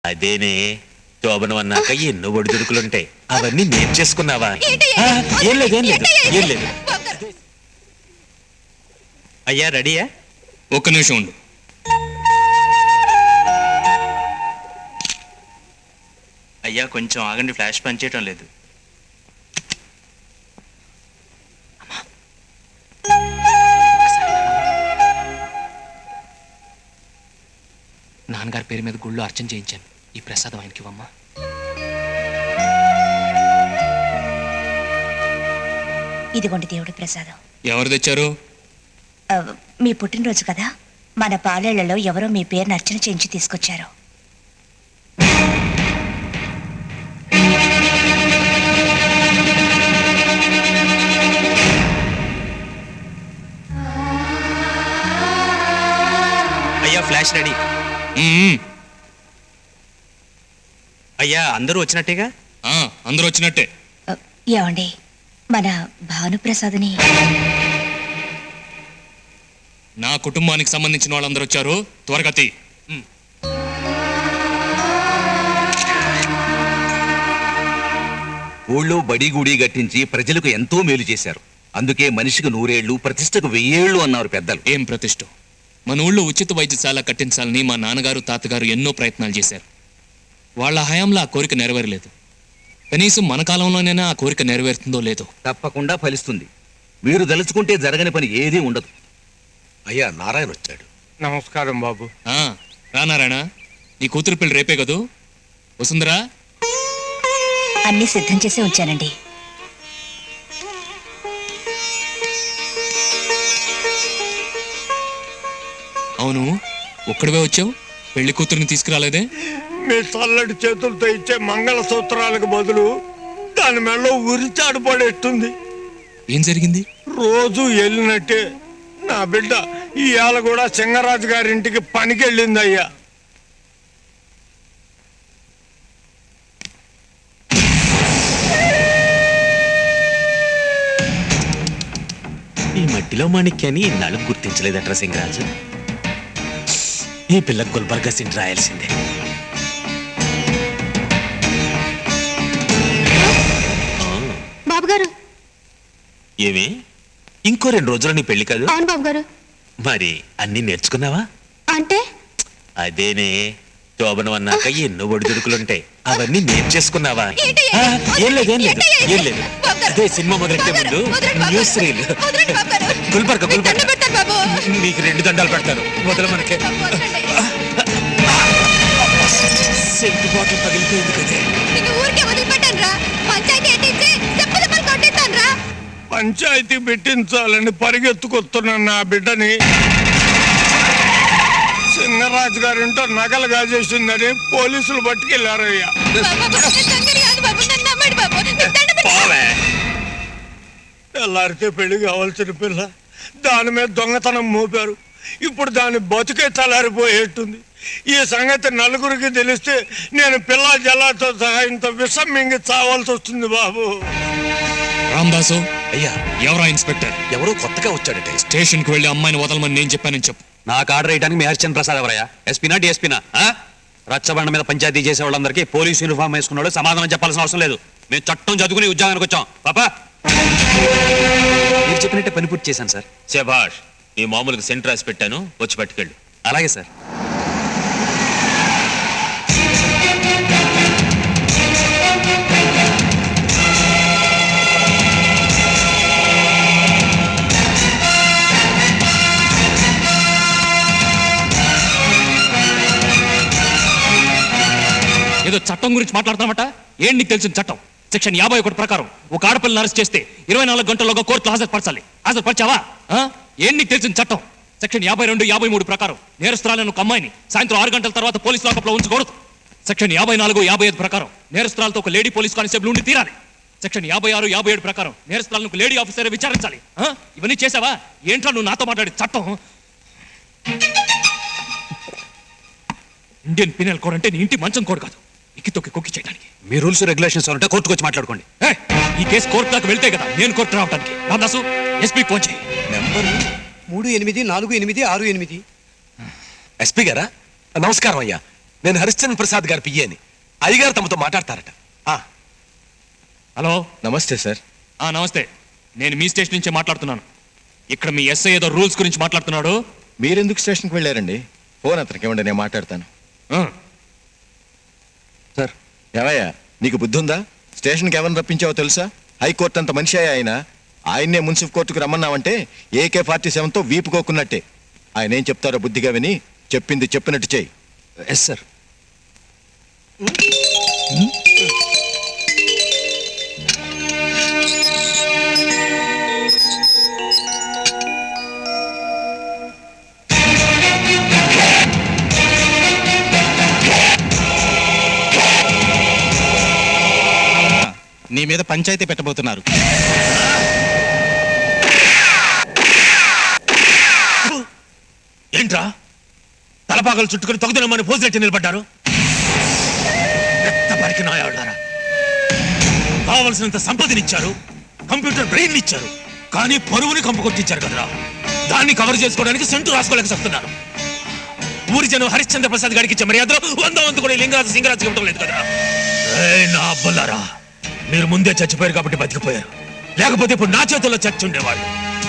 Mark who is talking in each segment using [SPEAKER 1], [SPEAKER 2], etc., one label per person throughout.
[SPEAKER 1] అదేనే శోభనం అన్నాక ఎన్నో ఒడిదుడుకులుంటాయి, అవన్నీ నేర్చేసుకున్నావా? ఏం లేదు ఏం లేదు ఏం లేదు. అయ్యా రెడీయా?
[SPEAKER 2] ఒక్క నిమిషం ఉండు.
[SPEAKER 1] అయ్యా కొంచెం ఆగండి, ఫ్లాష్ పనిచేయటం లేదు.
[SPEAKER 2] నాన్నగారి పేరు మీద గుళ్ళు అర్చన చేయించాను. ఈ ప్రసాదం ఆయనకి ఇవ్వమ్మా.
[SPEAKER 3] ఇదిగోండి దేవుడి ప్రసాదం.
[SPEAKER 2] ఎవరు తెచ్చారు?
[SPEAKER 3] మీ పుట్టినరోజు కదా, మన పాలేళ్లలో ఎవరో మీ పేరును అర్చన చేయించి తీసుకొచ్చారు.
[SPEAKER 1] అయ్యా ఫ్లాష్ రెడీ. అయ్యా అందరూ వచ్చినట్టేగా?
[SPEAKER 2] అందరూ వచ్చినట్టే.
[SPEAKER 3] ఏమండి, మన భానుప్రసాద్ని
[SPEAKER 2] నా కుటుంబానికి సంబంధించిన వాళ్ళందరూ వచ్చారు. త్వరగా తీ.
[SPEAKER 4] ఊళ్ళో బడి గుడి గట్టించి ప్రజలకు ఎంతో మేలు చేశారు. అందుకే మనిషికి 100 ఏళ్ళు, ప్రతిష్టకు 1000 ఏళ్ళు అన్నారు పెద్దలు.
[SPEAKER 2] ఏం ప్రతిష్ఠ! మన ఊళ్ళో ఉచిత వైద్యశాల కట్టించాలని మా నాన్నగారు తాతగారు ఎన్నో ప్రయత్నాలు చేశారు. వాళ్ళ హయాంలో ఆ కోరిక నెరవేరలేదు. కనీసం మన కాలంలోనైనా ఆ కోరిక నెరవేరుతుందో లేదో.
[SPEAKER 4] తప్పకుండా ఫలిస్తుంది. మీరు దలుచుకుంటే జరగని పని ఏదీ ఉండదు.
[SPEAKER 5] అయ్యా నారాయణ వచ్చాడు.
[SPEAKER 6] నమస్కారం బాబు.
[SPEAKER 2] రానారాయణ, నీ కూతురు పెళ్లి రేపే కదూ? వసుందరా,
[SPEAKER 3] అన్ని సిద్ధం చేసి ఉంచానండి.
[SPEAKER 2] అవును, ఒక్కడివే వచ్చావు, పెళ్లి కూతురుని తీసుకురాలేదే?
[SPEAKER 6] మీ చల్లటి చేతులతో ఇచ్చే మంగళ సూత్రాలకు బదులు దాని మెడలో ఉరిచాడు పడేస్తుంది.
[SPEAKER 2] ఏం జరిగింది?
[SPEAKER 6] రోజు వెళ్ళినట్టే నా బిడ్డ ఇవాళ కూడా సింగరాజు గారింటికి పనికి వెళ్ళింది అయ్యా.
[SPEAKER 1] ఈ మట్టిలో మాణిక్యాన్ని ఇన్నాళ్ళు గుర్తించలేదట్రా సింగరాజు. ఈ పిల్ల గుల్బర్గా సిండ్ రాయాల్సిందే.
[SPEAKER 7] బాబు గారు.
[SPEAKER 1] ఏమి ఇంకో 2 రోజులు నీ పెళ్లి కాదు?
[SPEAKER 7] అవును బాబు గారు.
[SPEAKER 1] మరి అన్ని నేర్చుకున్నావా?
[SPEAKER 7] అంటే
[SPEAKER 1] అదేనే శోభనం అన్నాక ఎన్నో ఒడిదుడుకులుంటాయి, అవన్నీ నేర్చేసుకున్నావా? ఏం లేదు ఏం లేదు ఏం లేదు. అదే సినిమా మొదలెట్టే ముందు న్యూస్ రీల్. గుల్బర్గా నీకు 2 దండాలు పెడతారు. మొదలు మనకే సెంటు బాటిల్ పగిలిపోయింది కదే.
[SPEAKER 6] పంచాయతీ పెట్టించాలని పరిగెత్తుకొస్తున్నాను నా బిడ్డని. సింగరాజు గారింటో నగలు గాజేసిందని పోలీసులు పట్టుకెళ్లారయ్యా. తెల్లారితే పెళ్లి కావాల్సిన పిల్ల దాని మీద దొంగతనం మోపారు. ఇప్పుడు దాని బతుకే తలారిపోయేట్టుంది. ఈ సంగతి నలుగురికి తెలిస్తే నేను పిల్ల జల్లాతో సహాయంతో విషం మింగి చావాల్సి వస్తుంది బాబు.
[SPEAKER 2] రామదాసు.
[SPEAKER 5] అయ్యా
[SPEAKER 2] ఎవరా ఇన్స్పెక్టర్?
[SPEAKER 5] ఎవరో కొత్తగా వచ్చాడట.
[SPEAKER 2] స్టేషన్ కి వెళ్లి అమ్మాయిని వదలమని నేను చెప్పానని చెప్పు.
[SPEAKER 4] నాకు ఆర్డర్ వేయడానికి మీ హరిచంద్ర ప్రసాద్ ఎవరయ్యా? ఎస్పీనా డిఎస్పీనా? రచ్చబండ మీద పంచాయతీ చేసే వాళ్ళందరికీ పోలీసు యూనిఫామ్ వేసుకున్నాడు సమాధానం చెప్పాల్సిన అవసరం లేదు. మేము చట్టం చదువుకుని ఉద్యోగానికి వచ్చాం. పాపా మీరు చెప్పినట్టే పని పూర్తి చేశాను సార్.
[SPEAKER 1] శభాష్. నీ మామూలుగా సెంటర్ రాసి పెట్టాను, వచ్చి పట్టుకెళ్ళు.
[SPEAKER 4] అలాగే సార్.
[SPEAKER 2] ఏదో చట్టం గురించి మాట్లాడతామట. ఏం నీకు తెలిసిన చట్టం? సెక్షన్ 51 ప్రకారం ఒక ఆడపిల్లని అరెస్ట్ చేస్తే 24 గంటల్లోగా కోర్టులో హాజరుపరచాలి. హాజరుపరిచావా? ఏం నీకు తెలిసిన చట్టం? సెక్షన్ 52, 53 ప్రకారం నేరస్తురాలను ఒక అమ్మాయిని సాయంత్రం 6 గంటల తర్వాత పోలీస్ లాకప్లో ఉంచకూడదు. సెక్షన్ 54, 55 ప్రకారం నేరస్తురాలతో ఒక లేడీ పోలీస్ కానిస్టేబుల్ ఉండి తీరాలి. సెక్షన్ 56, 57 ప్రకారం నేరస్తురాలను ఒక లేడీ ఆఫీసర్ విచారించాలి. ఇవన్నీ చేసావా? ఏంట్రా నువ్వు నాతో మాట్లాడే చట్టం? ఇండియన్ పీనల్ కోడ్ అంటే నీ ఇంటి మంచం కోడ్ కాదు, ఇక్కి తొక్కి కొక్కి చేయడానికి.
[SPEAKER 4] మీ రూల్స్ రెగ్యులేషన్స్ ఉంటే కోర్టుకు వచ్చి మాట్లాడుకోండి.
[SPEAKER 2] ఈ కేసు కోర్టు దాకా వెళ్తే కదా నేను కోర్టు రావడానికి. రామదాసు, ఎస్పీ ఫోన్ చేయి.
[SPEAKER 5] నెంబర్ 384868. ఎస్పీ గారా? నమస్కారం అయ్యా. నేను హరిశ్చంద్ర ప్రసాద్ గారి పియ్యని. అయ్యగారు తమతో మాట్లాడతారట.
[SPEAKER 2] హలో.
[SPEAKER 8] నమస్తే సార్.
[SPEAKER 2] నమస్తే. నేను మీ స్టేషన్ నుంచే మాట్లాడుతున్నాను. ఇక్కడ మీ ఎస్ఐ ఏదో రూల్స్ గురించి మాట్లాడుతున్నాడు.
[SPEAKER 8] మీరెందుకు స్టేషన్కి వెళ్ళారండి? ఫోన్ అతనికి ఇవ్వండి, నేను మాట్లాడతాను. సార్ ఏమయ్యా, నీకు బుద్ధి ఉందా? స్టేషన్కి ఎవరిని రప్పించావో తెలుసా? హైకోర్టు అంత మనిషి ఆయననే మున్సిపల్ కోర్టుకు రమ్మన్నావంటే AK-47తో వీపుకోకున్నట్టే. ఆయన ఏం చెప్తారో బుద్ధిగా విని చెప్పింది చెప్పినట్టు చేయి.
[SPEAKER 5] Yes sir.
[SPEAKER 9] నీ మీద పంచాయతీ పెట్టబోతున్నారు.
[SPEAKER 1] ఏంట్రా తలపాకలు చుట్టుకుని తొగదనమని పోసినట్టు నిలబడ్డారు? రక్తపరికి నాయాళ్ళారా, కావలసినంత సంపదనిచ్చారు, కంప్యూటర్ బ్రెయిన్ ఇచ్చారు, కానీ పరువుని కంపు కొట్టించారు కదరా. దాన్ని కవర్ చేసుకోవడానికి సెంటు రాసుకోలేక చెప్తున్నారు. ఊరి జనం హరిశ్చంద్ర ప్రసాద్ గారికి ఇచ్చే మర్యాదలో 100 కూడా లింగరాజు సింగరాజు ఇవ్వడం లేదు కదరా. నా అబ్బలారా, మీరు ముందే చచ్చిపోయారు కాబట్టి బతికిపోయారు, లేకపోతే ఇప్పుడు నా చేతుల్లో చచ్చి ఉండేవాడు.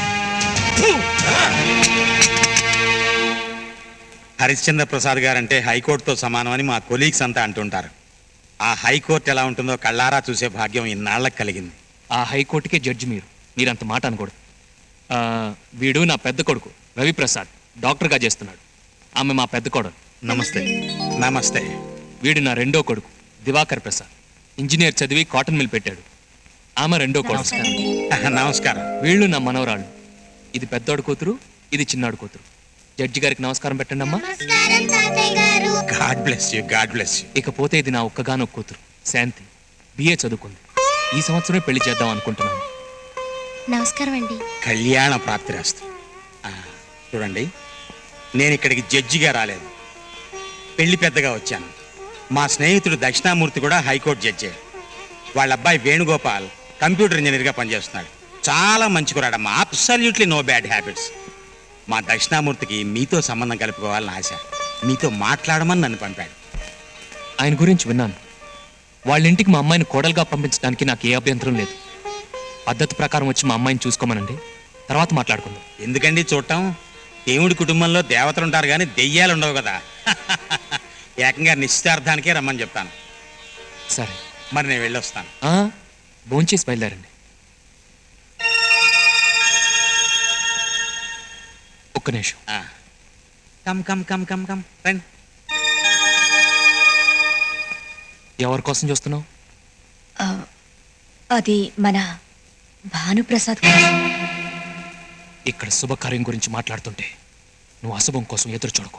[SPEAKER 9] హరిశ్చంద్ర ప్రసాద్ గారంటే హైకోర్టుతో సమానమని మా కొలీగ్స్ అంతా అంటుంటారు. ఆ హైకోర్టు ఎలా ఉంటుందో కళ్ళారా చూసే భాగ్యం ఇన్నాళ్ళకి కలిగింది.
[SPEAKER 2] ఆ హైకోర్టుకే జడ్జి మీరంత మాట అనకూడదు. వీడు నా పెద్ద కొడుకు రవిప్రసాద్, డాక్టర్గా చేస్తున్నాడు. ఆమె మా పెద్ద కోడలు.
[SPEAKER 9] నమస్తే. నమస్తే.
[SPEAKER 2] వీడు నా రెండో కొడుకు దివాకర్ ప్రసాద్, ఇంజనీర్ చదివి కాటన్ మిల్ పెట్టాడు. ఆమె రెండో కొడుకు.
[SPEAKER 9] నమస్కారం.
[SPEAKER 2] వీళ్ళు నా మనవరాళ్ళు. ఇది పెద్దోడు కూతురు, ఇది చిన్నాడు కూతురు. జడ్జి గారికి నమస్కారం పెట్టండి అమ్మా.
[SPEAKER 9] God bless you, God bless you.
[SPEAKER 2] ఇకపోతే ఇది నా ఒక్కగానొక్క కూతురు శాంతి, BA చదువుకుంది. ఈ సంవత్సరమే పెళ్లి చేద్దాం అనుకుంటున్నాను.
[SPEAKER 7] నమస్కారం అండి.
[SPEAKER 9] కళ్యాణ ప్రాప్తిరాస్తు. చూడండి, నేను ఇక్కడికి జడ్జిగా రాలేదు, పెళ్లి పెద్దగా వచ్చాను. మా స్నేహితుడు దక్షిణామూర్తి కూడా హైకోర్టు జడ్జి. వాళ్ళ అబ్బాయి వేణుగోపాల్ కంప్యూటర్ ఇంజనీర్గా పనిచేస్తున్నాడు. చాలా మంచి కురాడమ్మా, అబ్సల్యూట్లీ నో బ్యాడ్ హ్యాబిట్స్. మా దక్షిణామూర్తికి మీతో సంబంధం కలుపుకోవాలని ఆశ. మీతో మాట్లాడమని నన్ను పంపాడు.
[SPEAKER 2] ఆయన గురించి విన్నాను. వాళ్ళ ఇంటికి మా అమ్మాయిని కోడలుగా పంపించడానికి నాకు ఏ అభ్యంతరం లేదు. పద్ధతి ప్రకారం వచ్చి మా అమ్మాయిని చూసుకోమనండి, తర్వాత మాట్లాడుకుందాం.
[SPEAKER 9] ఎందుకండి చూడటం? దేవుడి కుటుంబంలో దేవతలు ఉంటారు కానీ దెయ్యాలు ఉండవు కదా. ఏకంగా నిశ్చితార్థానికే రమ్మని చెప్తాను.
[SPEAKER 2] సరే,
[SPEAKER 9] మరి నేను వెళ్ళొస్తాను.
[SPEAKER 2] భోంచేసి బయలుదేరండి. ఒక్క నిమిషం.
[SPEAKER 9] Come come come come come రండి.
[SPEAKER 2] ఎవరి కోసం చూస్తున్నావు?
[SPEAKER 3] అది మన భానుప్రసాద్.
[SPEAKER 2] ఇక్కడ శుభకార్యం గురించి మాట్లాడుతుంటే నువ్వు అశుభం కోసం ఎదురు చూడకు.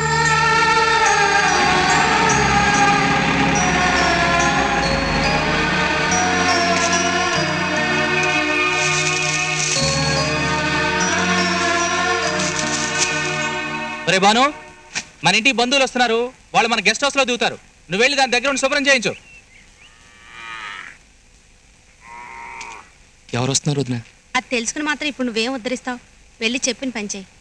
[SPEAKER 10] రే బాను, మన ఇంటికి బంధువులు వస్తున్నారు. వాళ్ళు మన గెస్ట్ హౌస్ లో దిగుతారు. నువ్వు వెళ్ళి దాని దగ్గర ఉండి శుభ్రం చేయించు.
[SPEAKER 2] ఎవరు వస్తున్నారు వదినా?
[SPEAKER 7] అది తెలుసుకుని మాత్రం ఇప్పుడు నువ్వేం ఉద్ధరిస్తావు? వెళ్ళి చెప్పిన పని చేయి.